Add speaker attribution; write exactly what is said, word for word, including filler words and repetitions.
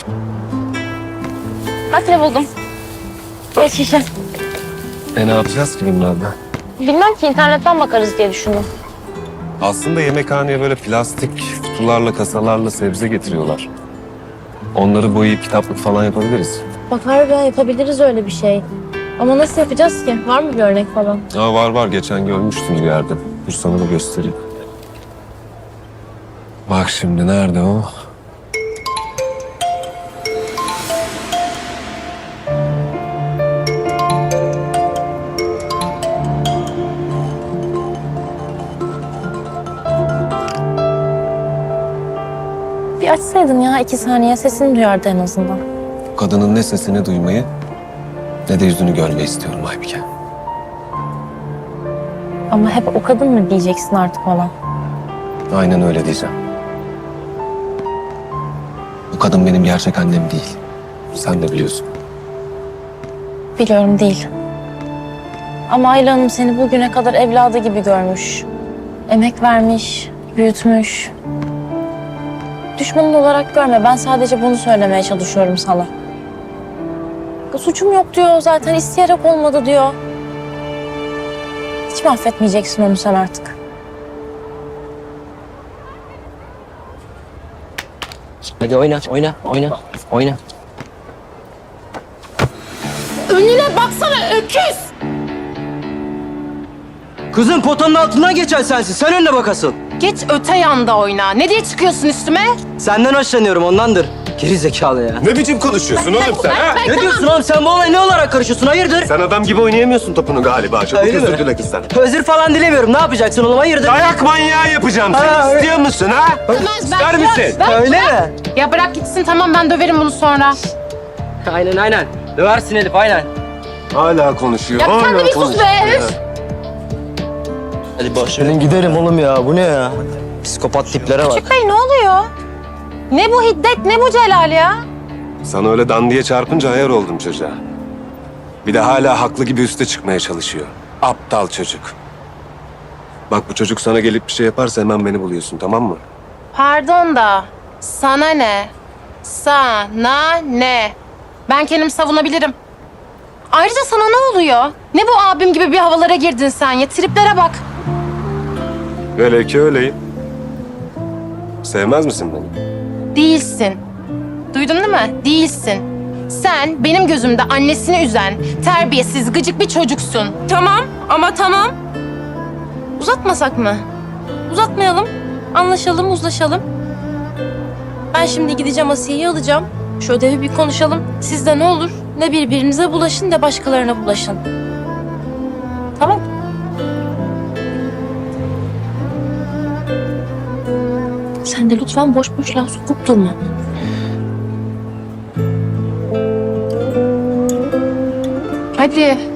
Speaker 1: Bak ne buldum. Geç şişe.
Speaker 2: E ne yapacağız ki bunlarla?
Speaker 1: Bilmem ki internetten bakarız diye düşündüm.
Speaker 2: Aslında yemekhaneye böyle plastik kutularla, kasalarla sebze getiriyorlar. Onları boyayıp kitaplık falan yapabiliriz.
Speaker 1: Bak harbiden yapabiliriz öyle bir şey. Ama nasıl yapacağız ki? Var mı bir örnek falan?
Speaker 2: Aa, var var, geçen görmüştüm bir yerde. Dur sana da göstereyim. Bak şimdi nerede o?
Speaker 1: Bir açsaydın ya iki saniye sesini duyardı en azından.
Speaker 2: Kadının ne sesini duymayı ne de yüzünü görmeyi istiyorum Aybike.
Speaker 1: Ama hep o kadın mı diyeceksin artık ona?
Speaker 2: Aynen öyle diyeceğim. Bu kadın benim gerçek annem değil. Sen de biliyorsun.
Speaker 1: Biliyorum değil. Ama Ayla Hanım seni bugüne kadar evladı gibi görmüş. Emek vermiş, büyütmüş. Düşmanın olarak görme. Ben sadece bunu söylemeye çalışıyorum sana. Suçum yok diyor zaten. İsteyerek olmadı diyor. Hiç mi affetmeyeceksin onu sen artık?
Speaker 3: Hadi oyna, oyna, oyna, oyna.
Speaker 1: Önüne baksana öküz!
Speaker 3: Kızın potanın altından geçen sensin. Sen önüne bak asıl.
Speaker 4: Geç öte yanda oyna. Ne diye çıkıyorsun üstüme?
Speaker 3: Senden hoşlanıyorum ondandır. Geri zekalı ya.
Speaker 2: Ne biçim konuşuyorsun oğlum sen ha?
Speaker 3: Ne diyorsun oğlum? Sen bu olaya ne olarak karışıyorsun? Hayırdır?
Speaker 2: Sen adam gibi oynayamıyorsun topunu galiba. Çabuk
Speaker 3: Öyle mi?
Speaker 2: özür dile kızdan.
Speaker 3: Özür falan dilemiyorum. Ne yapacaksın oğlum? Hayırdır?
Speaker 2: Dayak manyağı yapacağım seni.
Speaker 3: Ha,
Speaker 2: İstiyor musun ha? İster misin?
Speaker 3: Öyle mi?
Speaker 4: Ya bırak gitsin tamam ben döverim bunu sonra.
Speaker 3: Aynen aynen. Döversin Elif aynen.
Speaker 2: Hala konuşuyor.
Speaker 4: Ya
Speaker 2: hala
Speaker 4: sen de bir sus
Speaker 2: konuşuyor
Speaker 4: be.
Speaker 2: ya.
Speaker 3: Hadi boş verin gidelim oğlum ya. Bu ne ya? Psikopat tiplere bak.
Speaker 4: Bey ne oluyor? Ne bu hiddet ne bu Celal ya?
Speaker 2: Sana öyle dandiye çarpınca ayar oldum çocuğa. Bir de hala haklı gibi üste çıkmaya çalışıyor. Aptal çocuk. Bak bu çocuk sana gelip bir şey yaparsa hemen beni buluyorsun, tamam mı?
Speaker 4: Pardon da sana ne? Sana ne? Ben kendimi savunabilirim. Ayrıca sana ne oluyor? Ne bu abim gibi bir havalara girdin sen ya? Triplere bak.
Speaker 2: Öyle ki öyleyim. Sevmez misin beni?
Speaker 4: Değilsin. Duydun değil mi? Değilsin. Sen benim gözümde annesini üzen, terbiyesiz, gıcık bir çocuksun. Tamam ama tamam.
Speaker 1: Uzatmasak mı? Uzatmayalım. Anlaşalım, uzlaşalım. Ben şimdi gideceğim Asiye'yi alacağım. Şu ödevi bir konuşalım. Siz de ne olur ne birbirinize bulaşın ne başkalarına bulaşın. Tamam. Sen de lütfen boş boş laf sokup durma.
Speaker 4: Hadi.